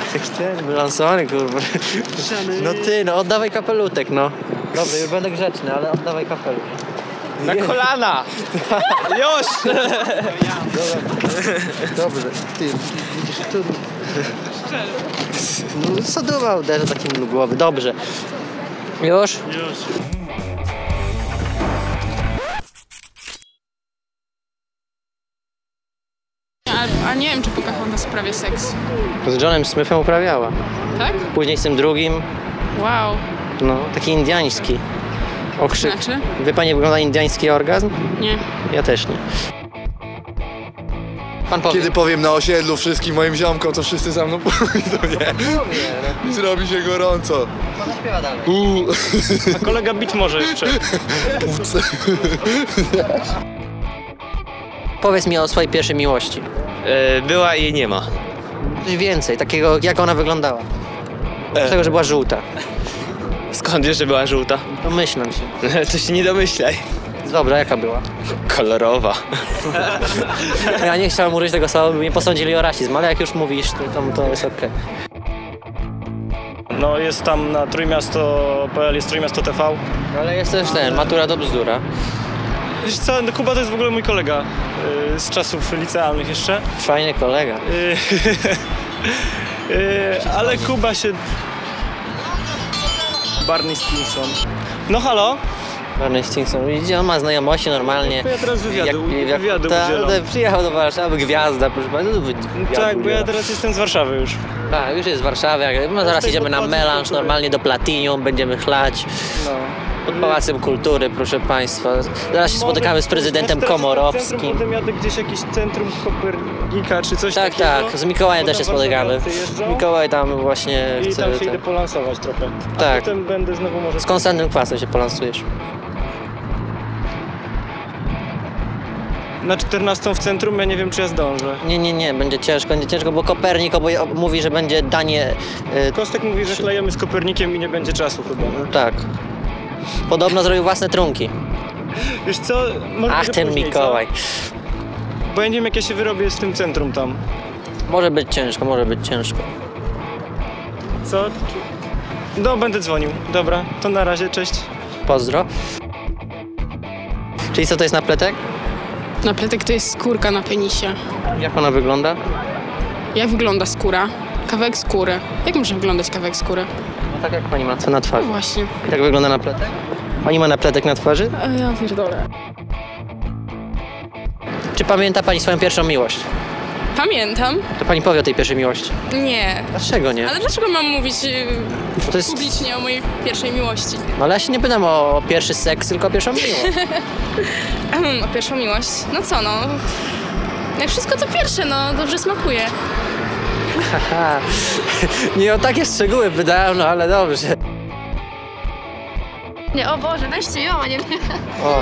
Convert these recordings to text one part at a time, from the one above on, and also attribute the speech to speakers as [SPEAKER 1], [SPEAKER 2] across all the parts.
[SPEAKER 1] Ten wylansowany, kurwa. No ty, no oddawaj kapelutek, no. Dobra, już będę grzeczny, ale oddawaj kapelusz.
[SPEAKER 2] Na kolana! Już!
[SPEAKER 1] Dobrze, ty, widzisz tu... No sodowa uderzę takim do głowy, dobrze. Już?
[SPEAKER 2] Już.
[SPEAKER 3] A nie wiem, czy Pocahontas prawie seks.
[SPEAKER 1] Z Johnem Smithem uprawiała.
[SPEAKER 3] Tak?
[SPEAKER 1] Później z tym drugim,
[SPEAKER 3] Wow.
[SPEAKER 1] no, taki indiański. Okrzyk.
[SPEAKER 3] Znaczy?
[SPEAKER 1] Wie pani, jak wygląda indiański orgazm?
[SPEAKER 3] Nie.
[SPEAKER 1] Ja też nie. Pan powie.
[SPEAKER 4] Kiedy powiem na osiedlu wszystkim moim ziomkom, to wszyscy za mną pójdą, nie? Zrobi się gorąco.
[SPEAKER 1] Pan śpiewa dalej.
[SPEAKER 2] A kolega bić może jeszcze.
[SPEAKER 1] Powiedz mi o swojej pierwszej miłości.
[SPEAKER 5] Była i jej nie ma.
[SPEAKER 1] Coś więcej, takiego, jak ona wyglądała. Z tego, że była żółta.
[SPEAKER 5] Skąd wiesz, że była żółta?
[SPEAKER 1] Domyślam się.
[SPEAKER 5] To się nie domyślaj.
[SPEAKER 1] Dobra, jaka była?
[SPEAKER 5] Kolorowa.
[SPEAKER 1] Ja nie chciałem użyć tego słowa, by mnie posądzili o rasizm, ale jak już mówisz, to jest okej.
[SPEAKER 2] No jest tam na Trójmiasto.pl, jest Trójmiasto TV.
[SPEAKER 1] Ale jest też ten, matura do bzdura.
[SPEAKER 2] Wiesz co, Kuba to jest w ogóle mój kolega z czasów licealnych jeszcze.
[SPEAKER 1] Fajny kolega.
[SPEAKER 2] Ale Kuba się... Barney Stinson. No halo?
[SPEAKER 1] Barney Stinson, widzicie, on ma znajomości normalnie.
[SPEAKER 2] Ja teraz wywiadu udzielam.
[SPEAKER 1] Przyjechał do Warszawy, gwiazda, proszę pana.
[SPEAKER 2] Tak, bo ja teraz jestem z Warszawy już.
[SPEAKER 1] Tak, już jest w Warszawie, no zaraz idziemy na melanż, normalnie do Platinium, będziemy chlać.
[SPEAKER 2] No.
[SPEAKER 1] Pod Pałacem Kultury, proszę państwa. Zaraz się spotykamy z prezydentem Komorowskim.
[SPEAKER 2] Potem jadę gdzieś jakieś centrum Kopernika czy coś
[SPEAKER 1] Tak,
[SPEAKER 2] takiego.
[SPEAKER 1] tak, z Mikołajem też się spotykamy. Mikołaj tam właśnie
[SPEAKER 2] I
[SPEAKER 1] chce...
[SPEAKER 2] tam się idę polansować trochę. A
[SPEAKER 1] Tak.
[SPEAKER 2] potem będę znowu może...
[SPEAKER 1] Z Konstantym Kwasem się polansujesz.
[SPEAKER 2] Na 14 w centrum, ja nie wiem, czy ja zdążę.
[SPEAKER 1] Nie, będzie ciężko, bo Kopernik mówi, że będzie danie...
[SPEAKER 2] Kostek mówi, że chlejemy z Kopernikiem i nie będzie czasu chyba.
[SPEAKER 1] Tak. Podobno zrobił własne trunki.
[SPEAKER 2] Wiesz co? Może
[SPEAKER 1] Ach, ten
[SPEAKER 2] później,
[SPEAKER 1] Mikołaj.
[SPEAKER 2] co? Bo ja nie wiem, jak ja się wyrobię z tym centrum tam.
[SPEAKER 1] Może być ciężko.
[SPEAKER 2] Co? No, będę dzwonił. Dobra, to na razie, cześć.
[SPEAKER 1] Pozdro. Czyli co to jest napletek?
[SPEAKER 3] Napletek to jest skórka na penisie.
[SPEAKER 1] Jak ona wygląda?
[SPEAKER 3] Jak wygląda skóra? Kawałek skóry. Jak może wyglądać kawałek skóry?
[SPEAKER 1] No tak jak pani ma, co na
[SPEAKER 3] No
[SPEAKER 1] twarzy.
[SPEAKER 3] właśnie.
[SPEAKER 1] I tak wygląda napletek? Pani ma napletek na twarzy?
[SPEAKER 3] Ja pierdolę.
[SPEAKER 1] Czy pamięta pani swoją pierwszą miłość?
[SPEAKER 3] Pamiętam.
[SPEAKER 1] To pani powie o tej pierwszej miłości.
[SPEAKER 3] Nie.
[SPEAKER 1] Dlaczego nie?
[SPEAKER 3] Ale dlaczego mam mówić
[SPEAKER 1] Bo to jest...
[SPEAKER 3] publicznie o mojej pierwszej miłości?
[SPEAKER 1] No ale ja się nie pytam o pierwszy seks, tylko o pierwszą miłość.
[SPEAKER 3] O pierwszą miłość? No co no? Jak wszystko to pierwsze, no dobrze smakuje.
[SPEAKER 1] Haha. Nie o takie szczegóły pytałem, no ale dobrze.
[SPEAKER 6] Nie, o Boże, weźcie ją, a nie mnie.
[SPEAKER 1] O.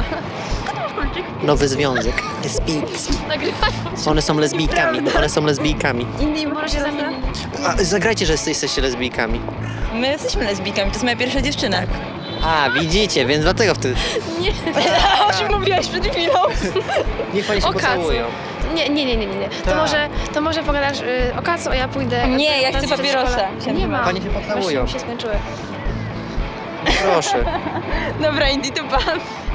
[SPEAKER 1] Nowy związek. One są lesbijkami.
[SPEAKER 6] Inny może się zamienić.
[SPEAKER 1] A, zagrajcie, że jesteście lesbijkami.
[SPEAKER 7] My jesteśmy lesbijkami, to jest moja pierwsza dziewczyna.
[SPEAKER 1] A, widzicie, więc dlatego wtedy.
[SPEAKER 7] O czym mówiłaś przed chwilą?
[SPEAKER 1] Niech pani się
[SPEAKER 6] O Kacu.
[SPEAKER 1] pocałują.
[SPEAKER 6] Nie. To może pogadasz o Kacu, a ja pójdę.
[SPEAKER 7] Nie, ja chcę
[SPEAKER 6] do
[SPEAKER 7] papierosa.
[SPEAKER 6] przedszkola. Nie ma.
[SPEAKER 1] Pani się pocałują.
[SPEAKER 6] Właśnie mi się skończyły.
[SPEAKER 1] Proszę.
[SPEAKER 7] Dobra, Indy, to pan.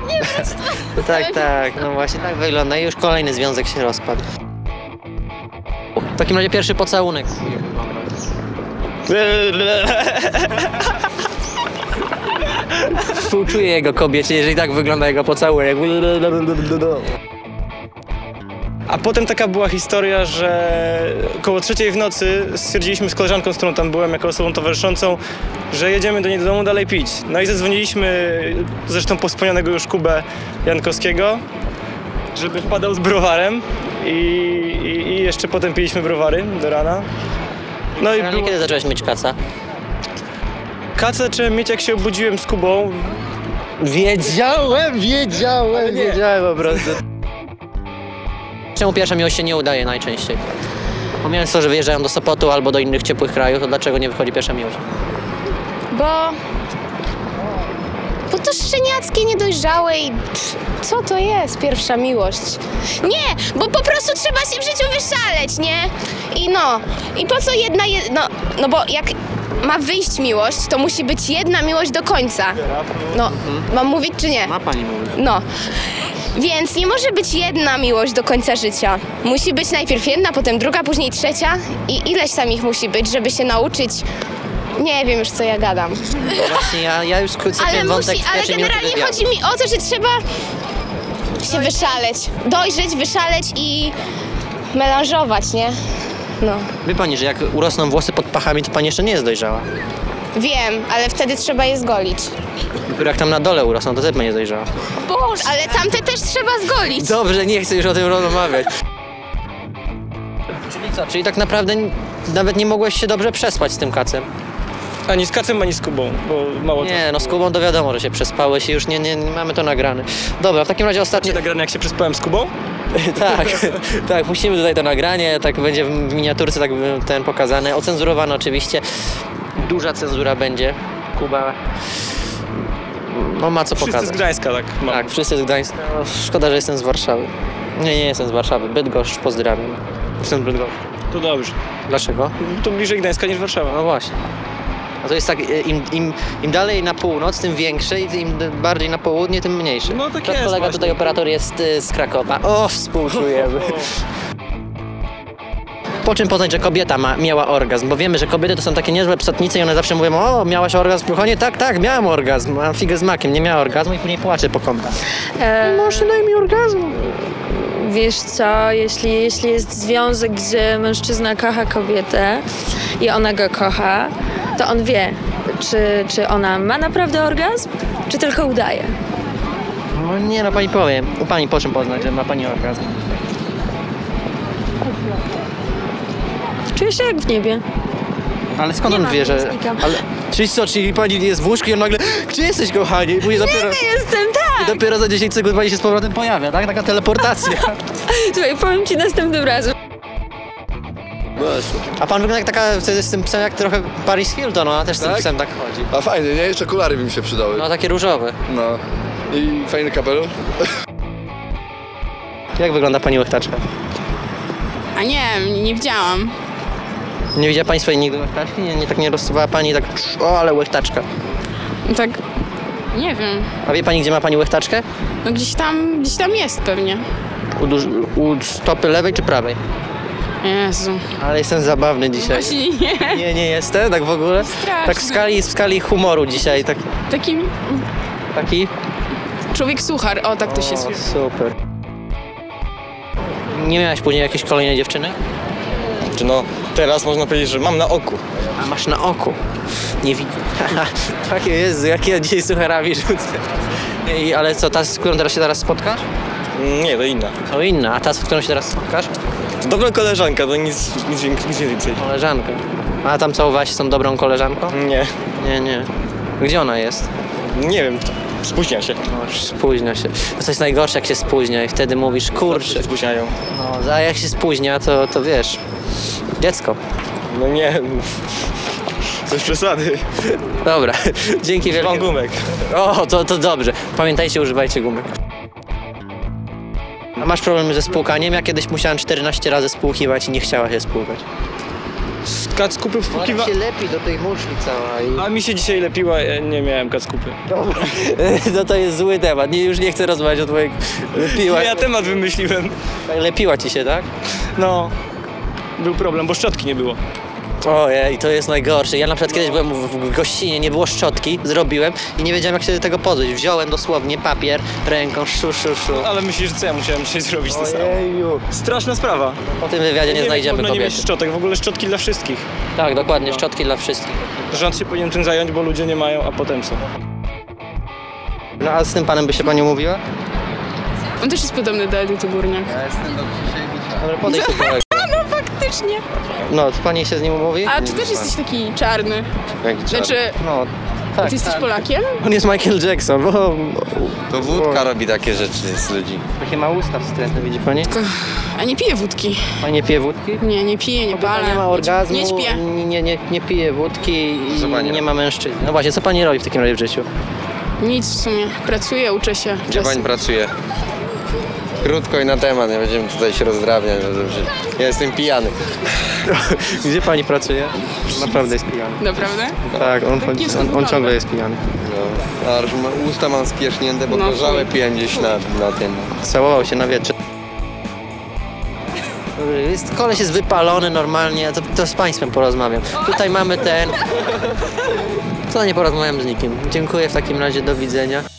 [SPEAKER 1] Tak, no właśnie tak wygląda i już kolejny związek się rozpadł. W takim razie pierwszy pocałunek. Współczuję jego kobiecie, jeżeli tak wygląda jego pocałunek.
[SPEAKER 2] A potem taka była historia, że około 3 w nocy stwierdziliśmy z koleżanką, z którą tam byłem jako osobą towarzyszącą, że jedziemy do niej do domu dalej pić. No i zadzwoniliśmy zresztą po wspomnianego już Kubę Jankowskiego, żeby wpadał z browarem i jeszcze potem piliśmy browary do rana. No i
[SPEAKER 1] Ale kiedy zacząłeś mieć kaca?
[SPEAKER 2] Kaca zacząłem mieć, jak się obudziłem z Kubą.
[SPEAKER 1] Wiedziałem po prostu. Czemu pierwsza miłość się nie udaje najczęściej? Pomijając to, że wyjeżdżają do Sopotu albo do innych ciepłych krajów, to dlaczego nie wychodzi pierwsza miłość?
[SPEAKER 6] Bo to szczeniackie, niedojrzałe i co to jest pierwsza miłość? Nie, bo po prostu trzeba się w życiu wyszaleć, nie? I po co jedna, no bo jak ma wyjść miłość, to musi być jedna miłość do końca. No, mam mówić czy nie?
[SPEAKER 1] Ma pani mówić.
[SPEAKER 6] No. Więc nie może być jedna miłość do końca życia. Musi być najpierw jedna, potem druga, później trzecia i ileś tam ich musi być, żeby się nauczyć. Nie wiem już, co ja gadam.
[SPEAKER 1] Właśnie ja już skrócę ten wątek w
[SPEAKER 6] Ale
[SPEAKER 1] pierwszej minucie
[SPEAKER 6] generalnie
[SPEAKER 1] wywiadu.
[SPEAKER 6] chodzi mi o to, że trzeba się wyszaleć, dojrzeć, wyszaleć i melanżować, nie? No.
[SPEAKER 1] Wie pani, że jak urosną włosy pod pachami, to pani jeszcze nie jest dojrzała.
[SPEAKER 6] Wiem, ale wtedy trzeba je zgolić.
[SPEAKER 1] Dopiero jak tam na dole urosną, to też pani jest dojrzała.
[SPEAKER 6] Boże, ale tamte też trzeba zgolić.
[SPEAKER 1] Dobrze, nie chcę już o tym rozmawiać. Czyli co? Czyli tak naprawdę nawet nie mogłeś się dobrze przespać z tym kacem?
[SPEAKER 2] Ani z Kacem, ani z Kubą, bo mało
[SPEAKER 1] Nie, no z Kubą to wiadomo, że się przespałeś i już nie mamy to nagrane. Dobra, w takim razie ostatnie...
[SPEAKER 2] czasu. Nagrane jak się przespałem z Kubą?
[SPEAKER 1] Tak, tak, puścimy tutaj to nagranie, tak będzie w miniaturce tak ten pokazane, ocenzurowane oczywiście. Duża cenzura będzie. Kuba no ma co
[SPEAKER 2] Wszyscy
[SPEAKER 1] pokazać.
[SPEAKER 2] z Gdańska, tak. Mam.
[SPEAKER 1] Tak, wszyscy z Gdańska. No, szkoda, że jestem z Warszawy. Nie jestem z Warszawy. Bydgoszcz, pozdrawiam. Jestem z Bydgoszcz.
[SPEAKER 2] To dobrze.
[SPEAKER 1] Dlaczego?
[SPEAKER 2] To bliżej Gdańska niż Warszawa.
[SPEAKER 1] No właśnie. A to jest tak, im dalej na północ, tym większe i im bardziej na południe, tym mniejsze.
[SPEAKER 2] No tak
[SPEAKER 1] Nasz
[SPEAKER 2] jest
[SPEAKER 1] kolega
[SPEAKER 2] właśnie.
[SPEAKER 1] tutaj operator jest z Krakowa. O, współczujemy. Po czym poznać, że kobieta miała orgazm? Bo wiemy, że kobiety to są takie niezłe psotnice i one zawsze mówią: o, miałaś orgazm w kruchonie? Tak, miałam orgazm. Mam figę z makiem, nie miała orgazmu i później płacze po kątach. Może daj mi orgazmu.
[SPEAKER 8] Wiesz co, jeśli jest związek, gdzie mężczyzna kocha kobietę i ona go kocha, to on wie, czy ona ma naprawdę orgazm, czy tylko udaje.
[SPEAKER 1] No nie, no pani powiem. U pani po czym poznać, że ma pani orgazm?
[SPEAKER 8] Czuję się jak w niebie.
[SPEAKER 1] Ale skąd
[SPEAKER 8] Nie
[SPEAKER 1] on
[SPEAKER 8] ma
[SPEAKER 1] wie, że...
[SPEAKER 8] miłosnika.
[SPEAKER 1] Ale... Czyli co, czyli pani jest w łóżku i on nagle: gdzie jesteś, kochani? I później dopiero...
[SPEAKER 8] Jestem, tak!
[SPEAKER 1] I dopiero za 10 sekund pani się z powrotem pojawia, tak? Taka teleportacja.
[SPEAKER 8] Słuchaj, powiem ci następnym razem.
[SPEAKER 1] A pan wygląda jak taka, wtedy z tym psem jak trochę Paris Hilton, ona też z tym
[SPEAKER 4] Tak?
[SPEAKER 1] psem tak chodzi.
[SPEAKER 4] A fajnie, nie? Jeszcze okulary by mi się przydały.
[SPEAKER 1] No takie różowe.
[SPEAKER 4] No. I fajny kapelusz.
[SPEAKER 1] Jak wygląda pani łechtaczka?
[SPEAKER 3] A nie widziałam.
[SPEAKER 1] Nie widziała pani swojej nigdy łechtaczki? Nie tak nie rozsuwała pani tak: o, ale łechtaczka.
[SPEAKER 3] Tak, nie wiem.
[SPEAKER 1] A wie pani, gdzie ma pani łechtaczkę?
[SPEAKER 3] No gdzieś tam jest pewnie.
[SPEAKER 1] U stopy lewej czy prawej?
[SPEAKER 3] Jezu.
[SPEAKER 1] Ale jestem zabawny dzisiaj.
[SPEAKER 3] Właśnie nie.
[SPEAKER 1] Nie jestem, tak w ogóle?
[SPEAKER 3] Straszne.
[SPEAKER 1] Tak w skali humoru dzisiaj, taki?
[SPEAKER 3] Człowiek suchar, o tak to się
[SPEAKER 1] O,
[SPEAKER 3] słyszy.
[SPEAKER 1] super. Nie miałaś później jakiejś kolejnej dziewczyny?
[SPEAKER 2] No, teraz można powiedzieć, że mam na oku.
[SPEAKER 1] A masz na oku. Nie widzę. Takie Jezu, jak ja dzisiaj sucharami rzucę. Ale co, ta, z którą teraz się spotkasz?
[SPEAKER 2] Nie, to inna.
[SPEAKER 1] To inna, a ta, z którą się teraz spotkasz?
[SPEAKER 2] Dobra koleżanka, to nic więcej.
[SPEAKER 1] Koleżanka. A tam całowałaś się z tą dobrą koleżanką?
[SPEAKER 2] Nie,
[SPEAKER 1] Nie. Gdzie ona jest?
[SPEAKER 2] nie wiem, spóźnia się.
[SPEAKER 1] No, już spóźnia się. To jest najgorsze, jak się spóźnia i wtedy mówisz: kurczę.
[SPEAKER 2] Się spóźniają.
[SPEAKER 1] No, a jak się spóźnia, to wiesz, dziecko.
[SPEAKER 2] No nie, coś przesady.
[SPEAKER 1] Dobra, dzięki
[SPEAKER 2] Mam
[SPEAKER 1] wielkie.
[SPEAKER 2] gumek.
[SPEAKER 1] O, to dobrze. Pamiętajcie, używajcie gumek. A masz problemy ze spłukaniem? Ja kiedyś musiałem 14 razy spłukiwać i nie chciała się spłukać.
[SPEAKER 2] Kackupy wpłukiwa...
[SPEAKER 1] lepi do tej muszli cała
[SPEAKER 2] A mi się dzisiaj lepiła, ja nie miałem kackupy.
[SPEAKER 1] No to jest zły temat. Już nie chcę rozmawiać o twojej... Lepiła.
[SPEAKER 2] Ja temat wymyśliłem.
[SPEAKER 1] Lepiła ci się, tak?
[SPEAKER 2] No, był problem, bo szczotki nie było.
[SPEAKER 1] Ojej, to jest najgorsze. Ja na przykład kiedyś byłem w gościnie, nie było szczotki, zrobiłem i nie wiedziałem, jak się do tego pozbyć. Wziąłem dosłownie papier ręką, szu.
[SPEAKER 2] Ale myślisz, że co ja musiałem dzisiaj zrobić to samo?
[SPEAKER 1] Ojeju.
[SPEAKER 2] Straszna sprawa.
[SPEAKER 1] Po tym wywiadzie nie
[SPEAKER 2] wiem,
[SPEAKER 1] znajdziemy
[SPEAKER 2] można nie mieć
[SPEAKER 1] kobiety.
[SPEAKER 2] szczotek, w ogóle szczotki dla wszystkich.
[SPEAKER 1] Tak, dokładnie, szczotki dla wszystkich.
[SPEAKER 2] Rząd się powinien tym zająć, bo ludzie nie mają, a potem co?
[SPEAKER 1] No a z tym panem by się pani umówiła?
[SPEAKER 3] On też jest podobny do Edyty Górniak.
[SPEAKER 1] Dobra, podejdź do kolegi.
[SPEAKER 3] Faktycznie.
[SPEAKER 1] No, to pani się z nim umówi?
[SPEAKER 3] A ty też jesteś taki czarny. Znaczy,
[SPEAKER 1] No, tak.
[SPEAKER 3] ty jesteś Polakiem?
[SPEAKER 1] On jest Michael Jackson, bo
[SPEAKER 9] To wódka robi takie rzeczy z ludzi.
[SPEAKER 1] takie ma usta wstrętne, widzi pani?
[SPEAKER 3] A nie piję wódki.
[SPEAKER 1] Pani nie pije wódki?
[SPEAKER 3] Nie piję, nie palę.
[SPEAKER 1] Nie ma orgazmu,
[SPEAKER 3] Nie śpię.
[SPEAKER 1] nie pije wódki
[SPEAKER 9] Co
[SPEAKER 1] i
[SPEAKER 9] pani
[SPEAKER 1] nie
[SPEAKER 9] robi?
[SPEAKER 1] ma mężczyzn. No właśnie, co pani robi w takim razie w życiu?
[SPEAKER 3] Nic w sumie. Pracuję, uczę się.
[SPEAKER 9] Gdzie pani pracuje? Krótko i na temat, nie będziemy tutaj się rozdrabniać. No dobrze. Ja jestem pijany.
[SPEAKER 1] Gdzie pani pracuje? Naprawdę jest pijany.
[SPEAKER 3] Naprawdę?
[SPEAKER 1] Tak, on ciągle jest pijany.
[SPEAKER 9] No. A usta mam spierzchnięte, bo gorzałe piłem gdzieś na tym.
[SPEAKER 1] Całował się na wietrze. Koleś jest wypalony normalnie, to z państwem porozmawiam. Tutaj mamy ten... To nie porozmawiam z nikim. Dziękuję w takim razie, do widzenia.